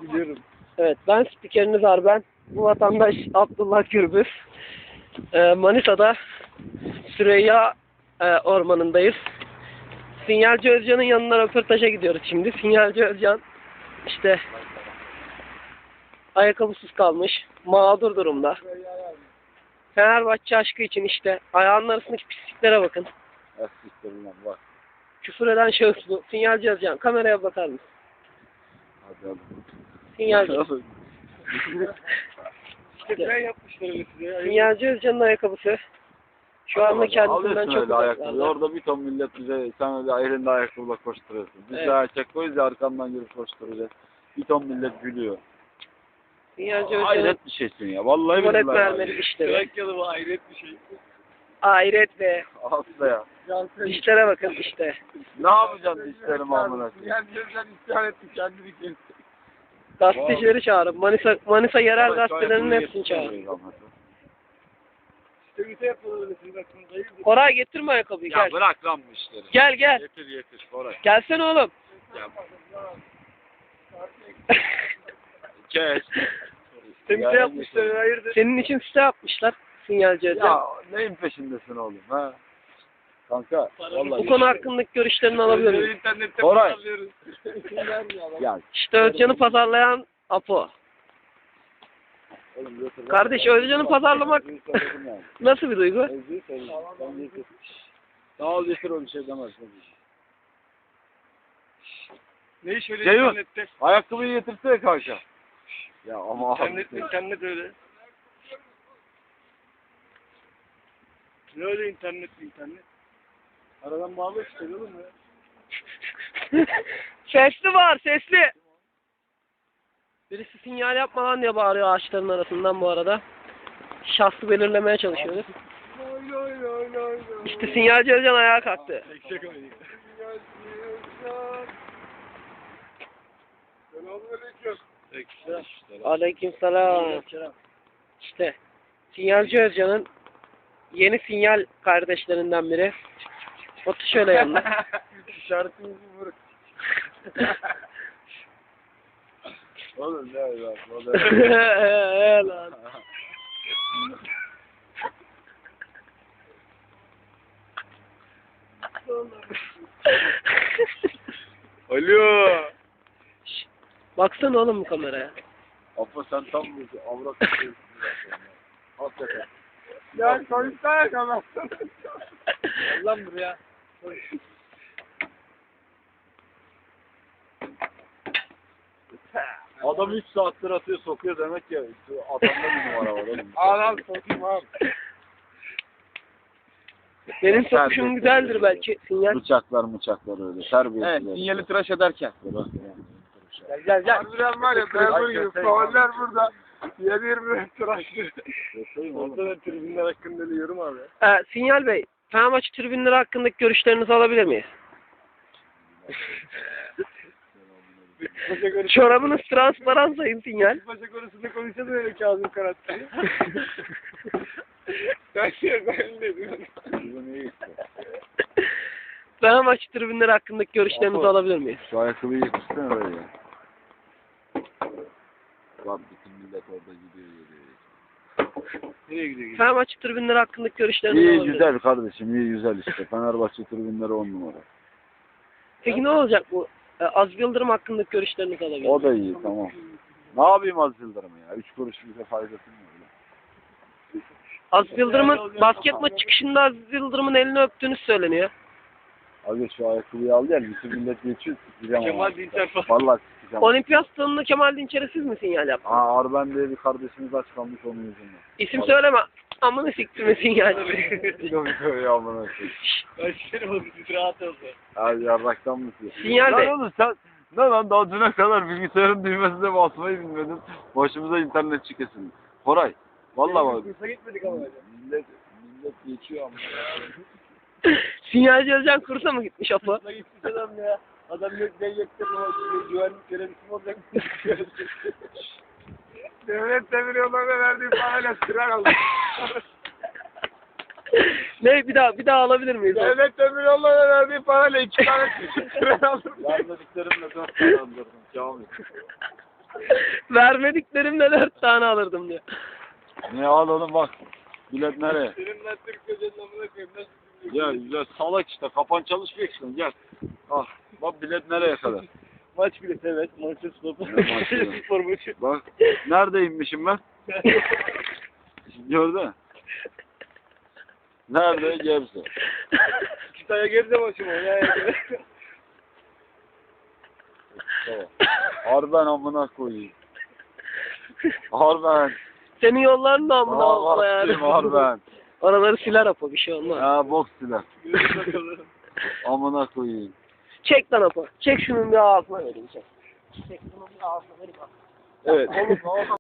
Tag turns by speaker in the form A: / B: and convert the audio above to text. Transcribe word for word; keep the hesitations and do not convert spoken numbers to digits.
A: Biliyorum.
B: Evet, ben spikeriniz Arben. Bu vatandaş Abdullah Gürbüz. Ee, Manisa'da Süreyya e, ormanındayız. Sinyalci Özcan'ın yanına röportaja gidiyoruz şimdi. Sinyalci Özcan işte ayakkabısız kalmış, mağdur durumda. Fenerbahçe aşkı için işte ayağının arasındaki pisliklere bakın.
A: Eskişlerimden var.
B: Küfür eden şahıs bu. Sinyalci Özcan, kameraya bakar mısın?
A: Hadi hadi.
B: Sinyalci.
A: İşte ben yapmışlar öyle size.
B: Sinyalci Özcan'ın ayakkabısı. Şu anda kendisinden çok
A: ayakkabı. Orada bir ton millet bize sen öyle elinde ayakkabıyla koşturuyorsun. Biz
B: Evet.
A: de erkek koyuz ya arkamdan girip koşturacağız. Bir ton millet gülüyor.
B: Sinyalci Özcan'ın
A: Hayret bir şeysin ya. Vallahi
B: tuvalet
A: billahi.
B: mermeri dişleri.
A: Trakyalı bu hayret bir şey.
B: Hayret be.
A: Asla ya.
B: Dişlere bakın işte.
A: Ne yapacaksın dişlerimi amına koyayım? Yani gözden isyan etti kendini kendi.
B: Gazetecileri çağırın. Manisa, Manisa yerel gazetelerinin hepsini çağırın.
A: İşte yapıyorlar sizin aklınızda. Hayırdır?
B: Koray getirme ayakkabıyı
A: Ya
B: gel.
A: bırak lan bu işleri.
B: Gel gel.
A: Getir getir Koray.
B: Gelsene oğlum.
A: Ya. Kes.
B: Temizle yapmışlar hayırdır? Senin için site yapmışlar. Sinyalci Özcan.
A: Ya neyin peşindesin oğlum ha? Kanka vallahi.
B: Bu konu hakkındaki görüşlerini alabilir miyim?
A: İnternette Koray. Ya
B: İşte Özcan'ı pazarlayan Apo.
A: oğlum götür.
B: Kardeş Özcan'ı pazarlamak nasıl bir duygu?
A: Sağ ol getir o bir şey demez.
C: Ne iş öyle
A: Ceyhun,
C: internette?
A: ayakkabıyı getirsene kanka. Ya ama
C: İnternet, internet öyle. Ne öyle internet internet? Aradan bağlı işte oğlum ya.
B: Sesli var sesli. Birisi sinyal yapma lan diye bağırıyor ağaçların arasından bu arada. Şahsı belirlemeye çalışıyoruz.
C: Oy oy oy oy oy.
B: İşte sinyalci Özcan ayağa kalktı.
C: Eşek oynayın. Selamünaleyküm.
B: Aleykümselam. İşte sinyalci Özcan'ın yeni sinyal kardeşlerinden biri. Otur şöyle yanına.
C: İşaretimizi vurun.
A: Oğlum ne öyle
B: Eee lan.
A: Alo.
B: Şşt, baksana oğlum bu kameraya.
A: Apo sen tam bir avrat tutuyorsun. Hakikaten.
C: Ya konuşsana kamerasını.
B: Lan buraya.
A: Adam üç saattir atıyor sokuyor demek ya. Adamda bir numara var oğlum.
C: Ağlam sokayım abi.
B: Benim sokuşum güzeldir belki sinyal.
A: Bıçaklar bıçaklar öyle. Terbiyesiz.
C: Evet, sinyali tıraş ederken.
A: Bırak ya.
B: Gel gel gel.
C: Harbiden var ya, memur gibi fauller burada. yedi yirmi tıraşlı. Orada da tribünler hakkında diyorum abi.
B: Ee, Sinyal Bey, Fenerbahçe tribünleri hakkındaki görüşlerinizi alabilir miyiz?
C: Paşa konusu,
B: Çorabınız transparan sayın Sinyal.
C: paşa konusunda konuşalım öyle Kazım Karat'ta. Ben şey ben de diyorum.
A: Bu ne işte?
B: Fenerbahçe tribünleri hakkındaki görüşlerinizi
A: Apo,
B: alabilir miyiz?
A: Şu ayakkabıyı getirsene öyle ya. Bak bütün millet orada gidiyor geliyor.
C: Nereye gidiyor?
B: Fenerbahçe tribünleri hakkındaki görüşlerinizi
A: İyi
B: alabilir miyiz?
A: güzel kardeşim iyi güzel işte. Fenerbahçe tribünleri on numara.
B: Peki ne olacak bu? Ee, Az Yıldırım hakkındaki görüşlerinizi alabilir miyiz?
A: O da iyi tamam. Ne yapayım az Yıldırım'ı ya? Üç kuruş bize faydası mı öyle?
B: Az Yıldırım'ın basket maç çıkışında Az Yıldırım'ın elini öptüğünü söyleniyor.
A: Abi şu ayakkabıyı al gel. Bütün millet geçiyor. Sikeceğim
C: Kemal
A: ama.
C: Dinçer falan.
A: Vallahi sikeceğim.
B: Olimpiyat stadında Kemal Dinçer'e siz mi sinyal yaptınız?
A: Aa Arben diye bir kardeşimiz açıklamış onun yüzünden.
B: İsim söyleme. Amına siktirme sinyal.
A: Kilometre ya amına koyayım.
C: Ben seni oğlum rahat olsun.
A: Abi yarraktan mısın?
B: Sinyal
A: Lan
B: Bey.
A: oğlum sen ne lan daha düne kadar bilgisayarın düğmesine basmayı bilmedin. Başımıza internet çıkasın. Koray. Vallahi bak.
C: Kursa gitmedik ama.
A: Millet, millet geçiyor ama.
B: Sinyalci Özcan kursa mı gitmiş Apo?
C: Kursa gitmiş adam ya. Adam yok ben yaktım ama güvenlik görevlisi mi olacak? Devlet demir yollarına verdiği parayla sırar aldı.
B: Ne bir daha bir daha alabilir miyiz?
C: Devlet demir yollarına verdiği parayla iki tane sırar aldım.
A: Vermediklerimle dört tane andırdım. Kamil.
B: Vermediklerimle dört tane alırdım diyor.
A: Ne al oğlum bak. Bilet nereye?
C: Senin ben Türk özelinin amına koyayım. Nasıl
A: Gel güzel salak işte. Kafan çalışmıyor işte. Gel. Ah. Bak bilet nereye kadar?
C: Maç bileti evet. Maçı spor.
A: Ne maçı?
C: Spor maçı.
A: Bak. Neredeymişim ben? Gördün mü? Nerede? Gebze.
C: Kütahya Gebze maçı mı? Ya, ya.
A: Tamam. Harben amına koyayım. Harben.
B: Senin yolların da amına abla yani.
A: Harben.
B: Oraları siler Apo, bir şey olmaz.
A: Ya bok silah. Amına koyayım.
B: Çek lan Apo. Çek şunun bir ağzına vereyim çek. Çek şunun bir ağzına vereyim.
A: Evet.